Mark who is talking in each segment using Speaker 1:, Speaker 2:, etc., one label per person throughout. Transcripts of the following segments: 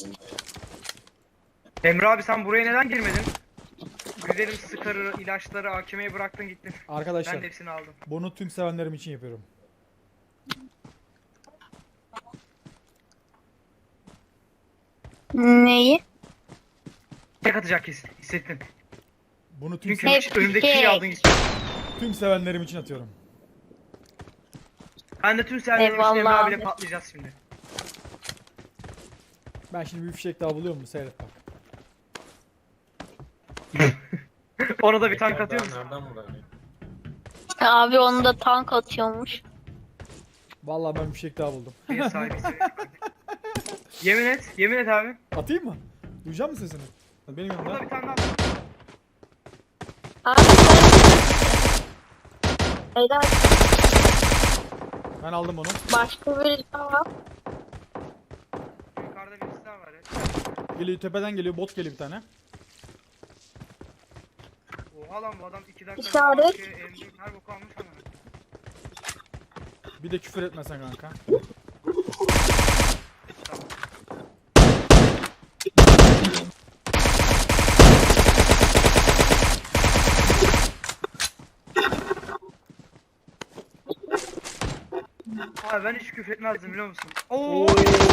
Speaker 1: Emre abi sen buraya neden girmedin? Güzelim sıkarı, ilaçları AKM'ye bıraktın gittin. Ben
Speaker 2: Arkadaşlar
Speaker 1: de hepsini aldım.
Speaker 2: bunu tüm sevenlerim için yapıyorum.
Speaker 3: Neyi?
Speaker 1: Tek atacak kesin. Hissettim.
Speaker 2: Bunu tüm,
Speaker 1: Çünkü
Speaker 3: Hep
Speaker 1: önümdeki
Speaker 3: tek.
Speaker 1: şeyi aldın gittin.
Speaker 2: tüm sevenlerim için atıyorum.
Speaker 1: Ben de tüm serverlerin için Emre
Speaker 3: Eyvallah
Speaker 1: abiyle
Speaker 3: abi.
Speaker 1: patlayacağız şimdi.
Speaker 2: Ben şimdi bir fişek daha buluyor mu? Seyret bak.
Speaker 1: Ona da bir tank atıyor musun?
Speaker 4: Nereden bulalım?
Speaker 3: Abi onu da tank atıyormuş.
Speaker 2: Vallahi ben bir fişek daha buldum.
Speaker 1: En sahibi. Yemin et. Yemin et abi.
Speaker 2: Atayım mı? Duyacak mısın sesini? Benim
Speaker 1: Burada
Speaker 2: yanımda.
Speaker 1: bir tane daha.
Speaker 3: Abi helal.
Speaker 2: Ben aldım onu.
Speaker 3: Başka bir daha var.
Speaker 1: Yukarıda birisi daha var ya.
Speaker 2: Geliyor, tepeden geliyor, bot geliyor bir tane.
Speaker 1: Oha lan bu adam 2 dakika
Speaker 3: İşaret.
Speaker 1: M4 her boku almış ama.
Speaker 2: Bir de küfür etmesen kanka.
Speaker 1: Abi ben hiç küfür etmezdim biliyor musun? Oo.
Speaker 2: Oo.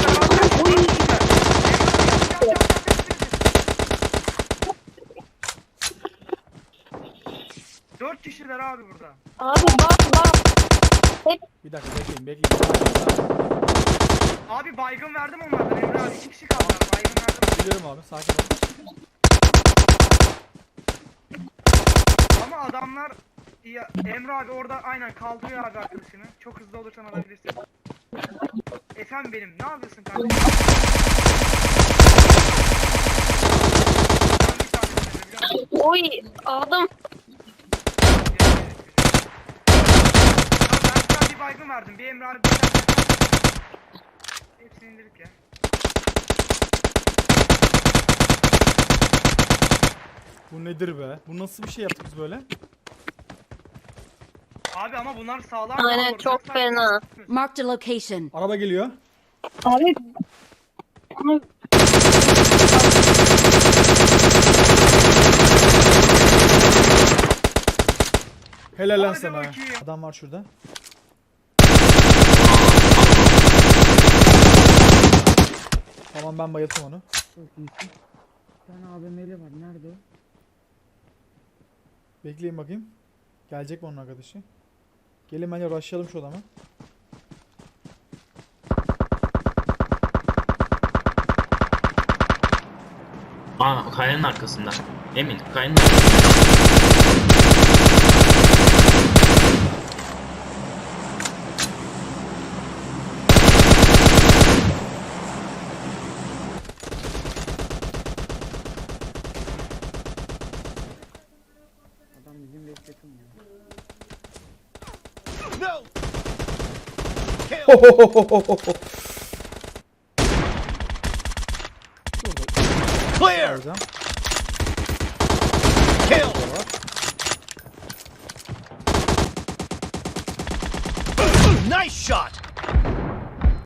Speaker 1: Dört kişiler abi burada.
Speaker 3: Abi bak.
Speaker 2: Bir dakika bekleyin.
Speaker 1: Abi baygın verdim onlardan Emre abi. 2 kişi kaldılar. Baygın verdim.
Speaker 2: Biliyorum abi, sakin ol.
Speaker 1: Ama adamlar ya, Emre abi orada aynen kaldırıyor abi arkadaşını. Çok hızlı olursan alabilirsin. Efendim benim ne yapıyorsun kardeşim? Ben bir tanesini biliyor musun?
Speaker 3: Oy aldım.
Speaker 1: Ben sana bir baygın verdim. Bir Emre abi bir tane. Hepsini indirdik ya.
Speaker 2: Bu nedir be? Bu nasıl bir şey yaptık biz böyle?
Speaker 1: Abi ama bunlar sağlam.
Speaker 3: Aynen çok fena.
Speaker 5: Marked a location.
Speaker 2: Araba geliyor.
Speaker 3: Abi
Speaker 2: Helal lan
Speaker 1: Hadi
Speaker 2: sana.
Speaker 1: bakayım.
Speaker 2: Adam var şurada. Tamam, ben bayılttım onu.
Speaker 6: Bir tane AVM'li var. Nerede o?
Speaker 2: Bekleyin bakayım. Gelecek mi onun arkadaşı? Gelin bence rushlayalım şu adamı.
Speaker 4: Aa, kayanın arkasında. Emin, kayanın arkasında.
Speaker 6: Adam bizim bekletim ya.
Speaker 2: Clear.
Speaker 7: Kill! Nice shot!